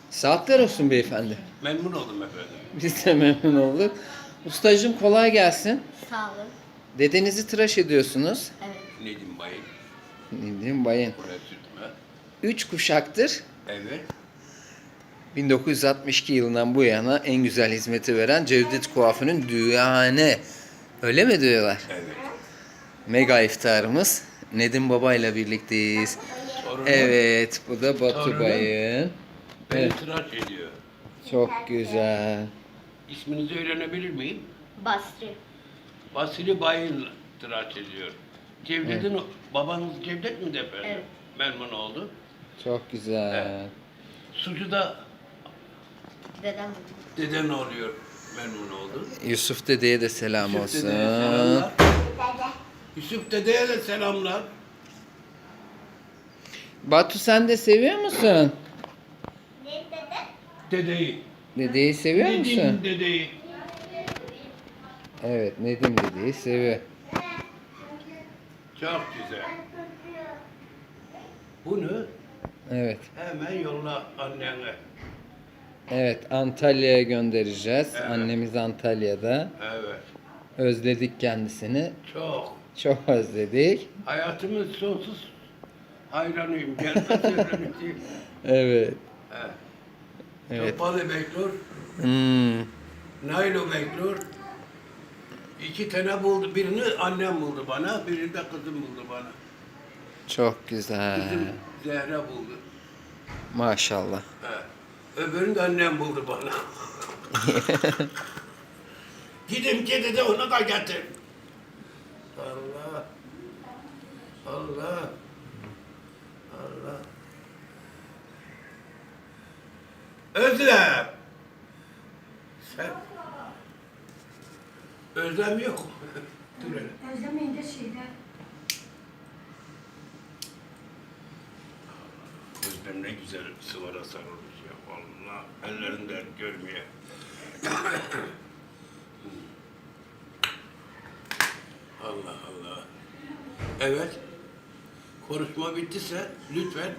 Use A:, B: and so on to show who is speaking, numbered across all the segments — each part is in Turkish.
A: Saatler olsun beyefendi.
B: Memnun oldum efendim.
A: Biz de memnun olduk. Ustacığım kolay gelsin.
C: Sağ olun.
A: Dedenizi tıraş ediyorsunuz.
C: Evet.
B: Nedim Bayım.
A: Nedim Bayın.
B: Buraya sürtme.
A: 3 kuşaktır.
B: Evet.
A: 1962 yılından bu yana en güzel hizmeti veren Cevdet Kuafı'nın düğane. Öyle mi diyorlar?
B: Evet.
A: Mega iftarımız. Nedim Baba ile birlikteyiz.
B: Torunum
A: Evet, bu da Batu
B: Torunum.
A: Bayın.
B: beni
A: Evet,
B: tıraş ediyor.
A: çok güzel.
B: İsminizi öğrenebilir miyim?
C: Basri.
B: Vasili Bayım tıraş ediyor. Cevdet'in babanız Cevdet mi efendim?
C: Evet.
B: Memnun oldum.
A: Çok güzel.
B: Evet. Sucu da
C: Dedem.
B: deden oluyor. Memnun oldum.
A: Yusuf dedeye de selam
B: Yusuf
A: olsun.
B: dedeye selamlar. Yusuf dedeye de selamlar.
A: Batu sen de seviyor musun?
B: Dedeyi.
A: Dedeyi seviyor
B: Nedim
A: musun?
B: dedeyi.
A: Evet, Nedim dedeyi seviyor.
B: Çok güzel. Bunu
A: Evet.
B: hemen yolla annene.
A: Evet, Antalya'ya göndereceğiz.
B: Evet.
A: Annemiz Antalya'da.
B: Evet.
A: Özledik kendisini.
B: Çok.
A: Çok özledik.
B: Hayatımın sonsuz hayranıyım. Gelmez öğreneceğim.
A: Evet.
B: Evet.
A: Evet.
B: Topalı bekliyor.
A: Hmm,
B: Nailo bekliyor. 2 tane buldu. Birini annem buldu bana. Birini de kızım buldu bana.
A: çok güzel.
B: Kızım Zehra buldu.
A: Maşallah.
B: Evet. Öbürünü de annem buldu bana. Gidin gidi de onu da getir. Allah. Allah. Allah. Özlem. Sen. Özlem yok. Dur hele.
D: Özlemeyin de şeyde.
B: Özlem ne güzel sıvara sarılmış ya. Vallahi ellerinden görmeye. Allah Allah. Evet. Konuşma bittiyse lütfen.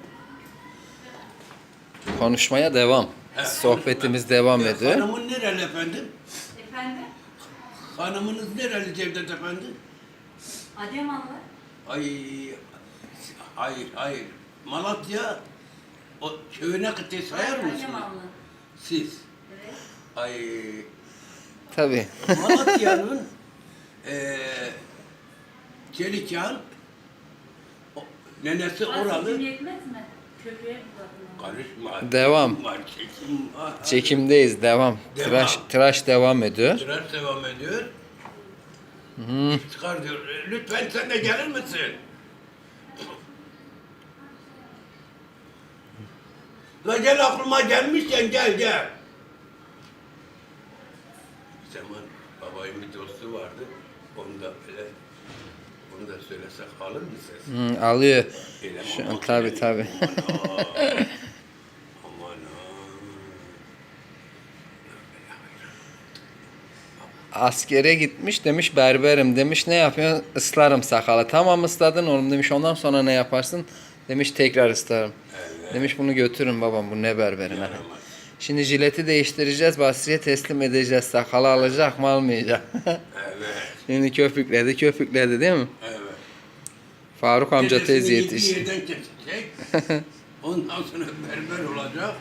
A: Konuşmaya devam.
B: Evet,
A: Sohbetimiz
B: konuşma.
A: devam ediyor.
B: Hanımın nereli efendim?
D: Efendim?
B: Hanımınız nereli Cevdet efendi?
D: Adıyamanlı.
B: Ay, hayır. Malatya o köyüne kıtayı sayar mısınız?
D: Adıyamanlı.
B: Siz.
D: Evet.
B: Ay,
A: Tabii.
B: Malatya'nın Çelikyan nenesi oralı.
D: Gücün yetmez mi? Köprüye uzatma.
B: Karışma.
A: Devam.
B: Var, çekim var.
A: Çekimdeyiz. Devam.
B: Devam.
A: Tıraş devam ediyor.
B: Tıraş devam ediyor.
A: Hı.
B: Çıkar diyor. Lütfen sen de gelir misin? La gel aklıma gelmişken gel. Bir zaman babayın bir dostu vardı. Onu da söylesek alır mı ses?
A: Hı, alıyor.
B: Öyle
A: Şu an
B: aman
A: tabii
B: yani.
A: tabii.
B: Aman
A: Askere gitmiş demiş berberim demiş ne yapıyorsun? Islarım sakalı. Tamam ısladın oğlum demiş ondan sonra ne yaparsın? Demiş tekrar ıslarım.
B: Evet.
A: Demiş bunu götürün babam bu ne berberim.
B: Yaramaz.
A: Şimdi jileti değiştireceğiz Basri'ye teslim edeceğiz. Sakalı alacak mı almayacak.
B: Evet.
A: Şimdi köpükledi değil mi?
B: Evet.
A: Faruk amca tez
B: Dedesini yediği
A: yetişti.
B: yerden kesecek. Ondan sonra berber olacak.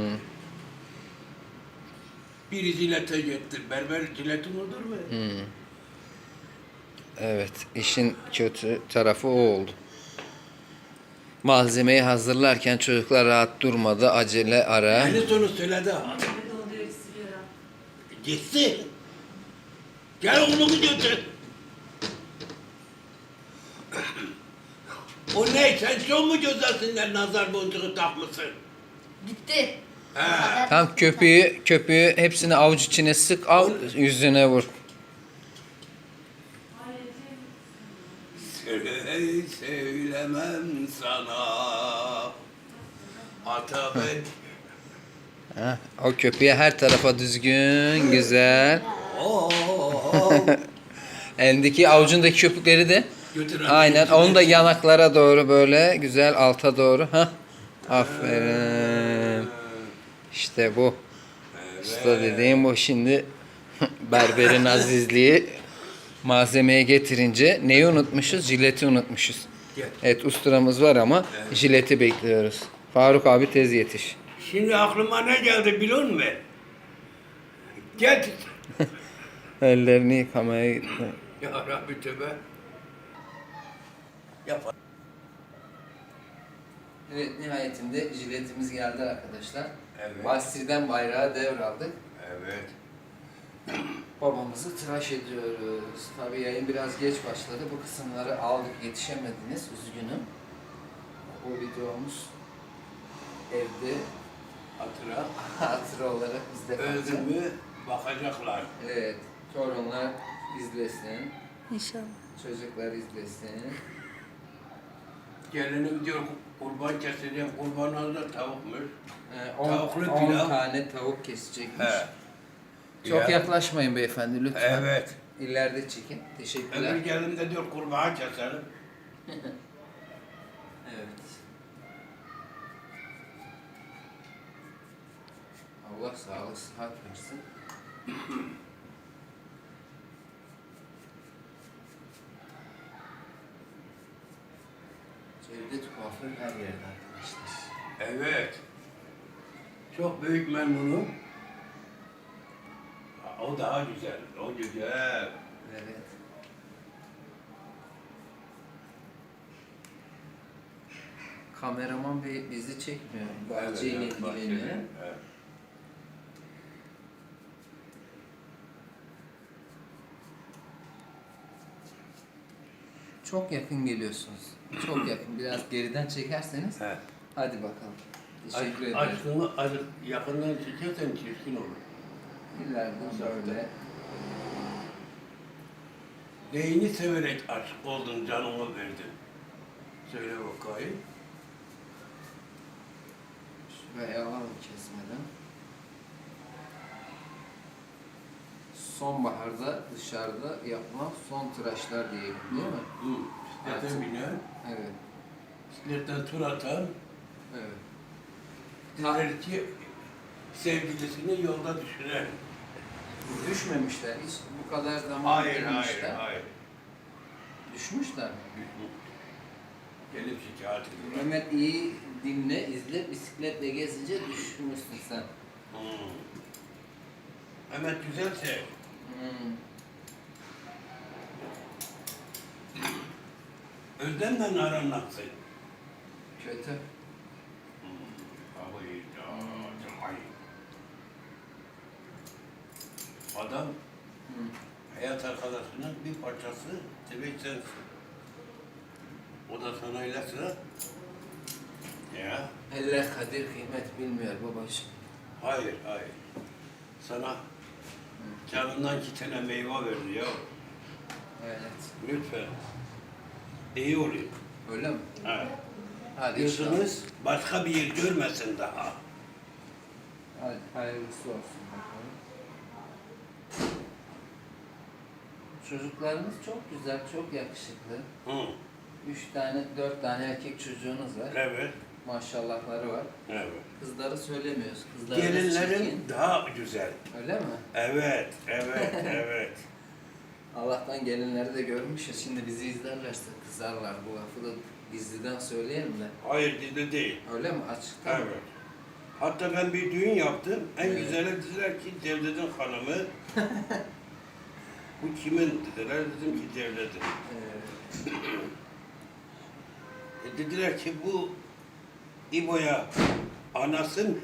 B: Biri jilete gitti. Berber jiletin olur mu?
A: Evet, işin kötü tarafı o oldu. Malzemeyi hazırlarken çocuklar rahat durmadı, acele ara.
B: En sonu söyledi ha.
D: Köprüde oluyor, siliyor ha.
B: Gitsin. Gel onu götür. O ne? Sen çok mu gözlersinden nazar boncuğu takmışsın?
C: Gitti.
B: He.
A: Tam köpüğü hepsini avuç içine sık, al yüzüne vur.
B: Söylemem sana. Ata ben.
A: Ha, o köpüğe her tarafa düzgün, güzel. Elindeki avucundaki köpükleri de
B: Götür anne,
A: aynen
B: götür.
A: onu da yanaklara doğru böyle güzel alta doğru. Ha. Aferin. İşte bu.
B: Evet.
A: Usta dediğim bu. Şimdi berberin azizliği malzemeye getirince neyi unutmuşuz? Jileti unutmuşuz.
B: Gel.
A: Evet ustamız var ama jileti bekliyoruz. Faruk abi tez yetiş.
B: Şimdi aklıma ne geldi biliyor musun? Gel.
A: Ellerini yıkamaya gitti.
B: Ya Rabbi tövbe. Yap.
A: Evet nihayetinde jiletimiz geldi arkadaşlar.
B: Evet.
A: Basri'den bayrağı devraldık.
B: Evet.
A: Babamızı tıraş ediyoruz. Tabii yayın biraz geç başladı. Bu kısımları aldık yetişemediniz. Üzgünüm. Bu videomuz evde
B: Hatıra.
A: hatıra olarak bizde kalacak.
B: Öldü mü bakacaklar.
A: Evet. Torunlar izlesin.
D: İnşallah.
A: Çocuklar izlesin.
B: Gelinim diyor kurban keseceğim. Kurban da tavukmuş.
A: 10
B: Tavuklu pilav.
A: tane tavuk kesecekmiş.
B: He.
A: Çok
B: Ya.
A: yaklaşmayın beyefendi lütfen.
B: Evet.
A: İleride çekin. Teşekkürler.
B: Öbür gelin de diyor kurbağa keselim.
A: Evet. Allah sağlık, sıhhat versin. Cevdet kuaför her yerde arkadaşlar.
B: Evet. Çok büyük memnunum. O daha güzel. O güzel.
A: Evet. Kameraman bey bizi çekmiyor. Bahçeyle ilgileniyor.
B: Evet.
A: Çok yakın geliyorsunuz. Çok yakın. Biraz geriden çekerseniz.
B: He.
A: Hadi bakalım. Teşekkür ederim.
B: Aşkını azıcık yakından çekersen çirkin olur.
A: İleride şöyle.
B: Neyini severek aşık oldun, canımı verdin? Söyle bakayım.
A: Şuraya alalım kesmeden. Sonbaharda dışarıda yapılan son tıraşlar diyelim değil mi?
B: Hı. Bisiklete binen,
A: Evet.
B: bisikletten tur atan,
A: Evet.
B: diler ki sevgilisini yolda düşünen.
A: Düşmemişler. Hiç bu kadar zaman
B: Hayır,
A: gelmişler.
B: hayır.
A: Düşmüşler.
B: Gelip şikayet ediyorlar.
A: Mehmet iyi dinle, izle. Bisikletle gezince düşmüşsün sen.
B: Hemen güzelse,
A: Hmm.
B: Özlem'le aran nasıl?
A: Kötü.
B: Abi, Adam
A: Hmm.
B: hayat arkadaşının bir parçası demek sensin. O da sana ile sıra. Ya,
A: Eller kadir kıymet bilmiyor babacığım.
B: hayır. Sana canından 2 tane meyve verdi ya.
A: Evet.
B: Lütfen. İyi olayım.
A: Öyle mi?
B: Ha.
A: Hadi inşallah.
B: Gözünüz başka bir yer görmesin daha.
A: Hadi hayırlısı olsun bakalım. Çocuklarınız çok güzel, çok yakışıklı.
B: Hı.
A: 4 tane erkek çocuğunuz var.
B: Evet.
A: Maşallahları var.
B: Evet.
A: Kızları söylemiyoruz. Kızlarınız
B: Gelinlerin
A: çirkin.
B: daha güzel.
A: Öyle mi?
B: Evet.
A: Allah'tan gelinleri de görmüşüz. Şimdi bizi izlerlerse kızarlar. Bu lafı da gizliden söyleyelim de.
B: Hayır, bizde değil.
A: Öyle mi? Açıkta mı?
B: Evet. Hatta ben bir düğün yaptım. En
A: Evet.
B: güzeli dediler ki Cevdet'in hanımı. Bu kimin dediler. Dedim ki Cevdet'in. Dediler ki bu İbo'ya anasın.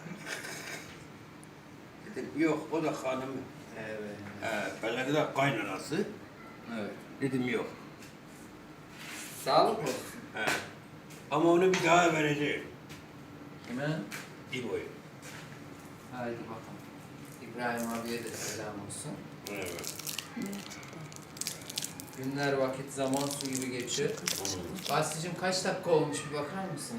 B: Dedim yok o da hanımı.
A: Evet.
B: Ben dediler kaynanası.
A: Evet.
B: Dedim yok.
A: Sağlık olsun.
B: He. Ama onu bir daha vereceğim.
A: Kime?
B: İbo'yu.
A: Haydi bakalım. İbrahim abiye de selam olsun.
B: Evet.
A: Günler vakit zaman su gibi geçiyor. Basri'cim kaç dakika olmuş bir bakar mısın?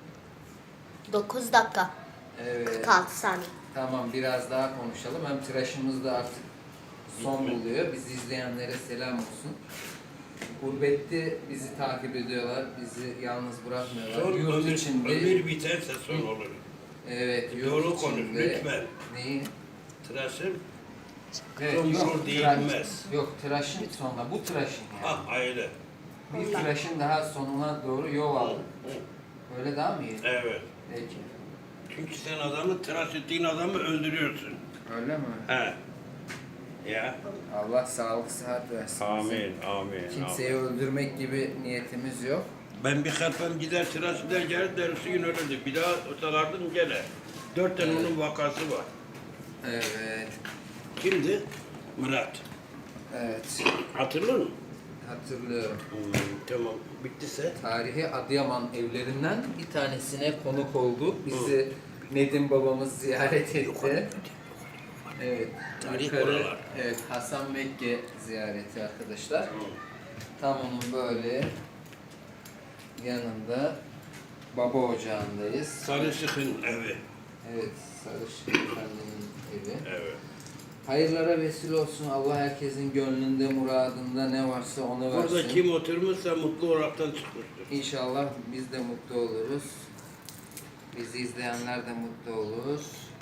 C: 9 dakika.
A: Evet.
C: 46 saniye.
A: Tamam biraz daha konuşalım. Hem tıraşımız da artık son buluyor. Bizi izleyenlere selam olsun. Gurbette bizi takip ediyorlar. Bizi yalnız bırakmıyorlar.
B: Son
A: Yurt
B: ömür
A: içinde
B: biterse son olur.
A: Evet, yurt
B: Doğru konuş
A: içinde-
B: lütfen.
A: Neyi?
B: Tıraşın
A: Evet,
B: Komşu değilmez.
A: Yok, tıraşın sonuna. Bu tıraşın yani.
B: ha ayrı.
A: Bir tıraşın daha sonuna doğru yol aldı.
B: Hı,
A: Öyle daha mı iyi?
B: evet.
A: Peki.
B: Çünkü sen adamı tıraş ettiğin adamı öldürüyorsun.
A: Öyle mi?
B: He. Ya.
A: Allah sağlık sıhhat versin. bize.
B: Amin, amin.
A: Kimseyi öldürmek gibi niyetimiz yok.
B: Ben bir harfem gider tıraş eder gelir dersi gün ölürdü. Bir daha salardım gene. 4 tane onun vakası var.
A: Evet.
B: Kimdi? Murat.
A: Evet.
B: Hatırlıyor musun?
A: Hatırlıyorum.
B: Tamam. Bittiyse.
A: Tarihi Adıyaman evlerinden bir tanesine konuk olduk. Bizi Nedim babamız ziyaret etti. Evet.
B: Tarih
A: Yukarı,
B: oralar.
A: evet, Hasan Mekke ziyareti arkadaşlar. Tam onun böyle yanında baba ocağındayız.
B: Sarışık'ın evi.
A: Evet, Sarışık Efendi'nin evi.
B: Evet.
A: Hayırlara vesile olsun. Allah herkesin gönlünde, muradında ne varsa onu versin.
B: Burada kim oturmuşsa mutlu olaraktan çıkmıştır.
A: İnşallah biz de mutlu oluruz. Bizi izleyenler de mutlu olur.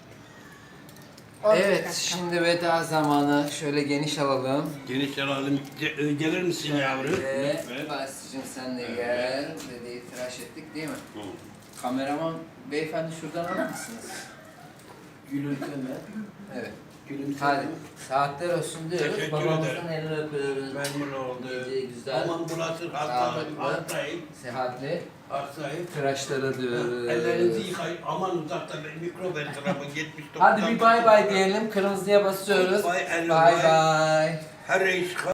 C: 12
A: Evet,
C: dakika.
A: şimdi veda zamanı. Şöyle geniş alalım.
B: Geniş alalım. Gelir misin yavrum?
A: Ve
B: Lütfen.
A: Basri'cim sen de
B: Evet.
A: gel. Dedeyi tıraş ettik değil mi?
B: Hı.
A: Kameraman beyefendi şuradan alır mısınız?
B: Gülümseme.
A: Evet.
B: Gülümseme.
A: Hadi. Saatler olsun diyoruz.
B: Teşekkür
A: Babamızın
B: ederim.
A: elini öpüyoruz.
B: Memnun oldum.
A: Gece güzel.
B: Aman burası
A: Sağlıklı.
B: hastayım.
A: Sehatli.
B: Hastayım.
A: Tıraşlara diyoruz.
B: Ellerinizi yıkayın. Aman uzakta ben mikro etrafı 79.
A: Hadi bir bay bay diyelim. Kırmızıya basıyoruz.
B: Bay
A: Bay bay.
B: Her reis